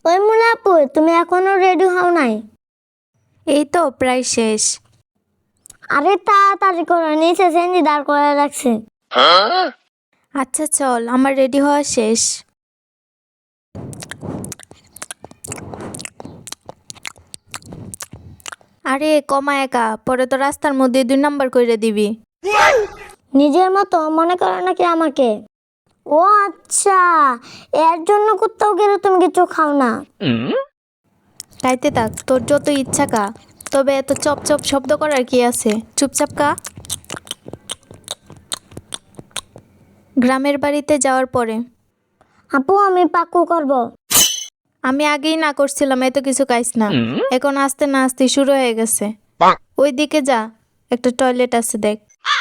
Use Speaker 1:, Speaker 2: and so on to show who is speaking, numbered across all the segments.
Speaker 1: ওই মুলা আপু, তুমি এখনো রেডি হও নাই?
Speaker 2: এই তো প্রায় শেষ।
Speaker 1: আরে তাড়াতাড়ি করে, নিচে সেন্দি দাঁড় করে রাখছে।
Speaker 2: আচ্ছা চল, আমার রেডি হওয়া শেষ। আরে কমা একা, পরে তো রাস্তার মধ্যে 2 নাম্বার কইরা দিবি।
Speaker 1: নিজের মতো মনে করো নাকি আমাকে? ও আচ্ছা, এর জন্য কোথাও গেলে তুমি কিছু খাও না?
Speaker 2: খাইতে থাক, তোর যত ইচ্ছা কা, তবে এত চপ চপ শব্দ করার কি আছে? চুপচাপ কা। গ্রামের বাড়িতে যাওয়ার পরে
Speaker 1: আপু, আমি পাক্কু করব।
Speaker 2: আমি আগেই না করছিলাম এত কিছু খাইস না, এখন আস্তে না আস্তে শুরু হয়ে গেছে। ওই দিকে যা, একটা টয়লেট আছে দেখ।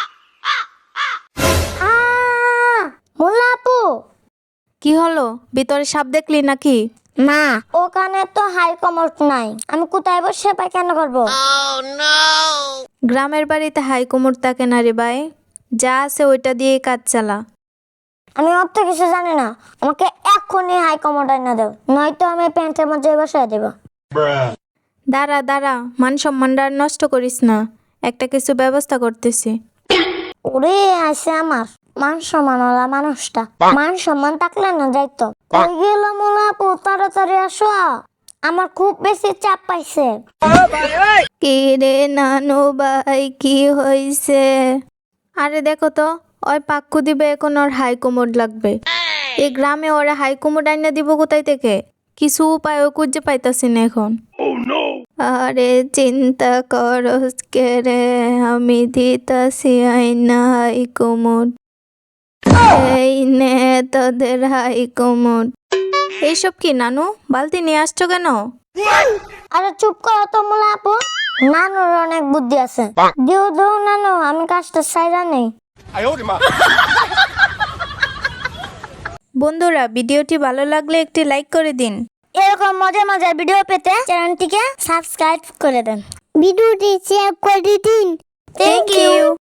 Speaker 1: মুলা আপু,
Speaker 2: কি হলো, ভিতরে সাপ দেখলি নাকি?
Speaker 1: না, ওখানে তো হাই কমোড নাই, আমি কোথায় বসে পায়খানা করব?
Speaker 2: গ্রামের বাড়িতে হাই কোমর থাকে না রে ভাই, যা আছে ওইটা দিয়ে কাজ চালা।
Speaker 1: আমি অত কিছু জানি না, আমাকে এক্ষুনি হাই কমোড এনে দাও, নয়তো আমি প্যান্টের মধ্যে বসিয়ে দেব।
Speaker 2: দাঁড়া দাঁড়া, মান সম্মানটা আর নষ্ট করিস না, একটা কিছু ব্যবস্থা করতেছি।
Speaker 1: ওরে আছে আমার মান সম্মান ওলা মানুষটা, মান সম্মান থাকলে না যাইতো। কই গেল মুলা আপু, তাড়াতাড়ি আসো, আমার খুব বেশি চাপ পাইছে।
Speaker 2: কি রে নানু ভাই, কি হইছে? আরে দেখো তো, ওই পাক্কু দিবে, এখন ওর হাই কোমর লাগবে। এই গ্রামে ওরা হাই কোমর আইনা দিব কোথায় থেকে? কিছু উপায় খুঁজে পাইতাছি না এখন। আরে চিন্তা করস কে রে, আমি দিতাছি আইনা হাই কোমর। এই নে তোদের হাই কোমর। এইসব কি নানু, বালতি নিয়ে আসছো কেন?
Speaker 1: আরে চুপ করো তো মুলা আপু, নানুর অনেক বুদ্ধি আছে। দিও দিও নানু, আমি কাজটা সাইরা নেই।
Speaker 2: বন্ধুরা, ভিডিওটি ভালো লাগলে একটি লাইক করে দিন।
Speaker 1: এরকম মজার মজার ভিডিও পেতে চ্যানেলটিকে সাবস্ক্রাইব করে দেন, ভিডিওটি শেয়ার করে দিন।
Speaker 2: Thank you.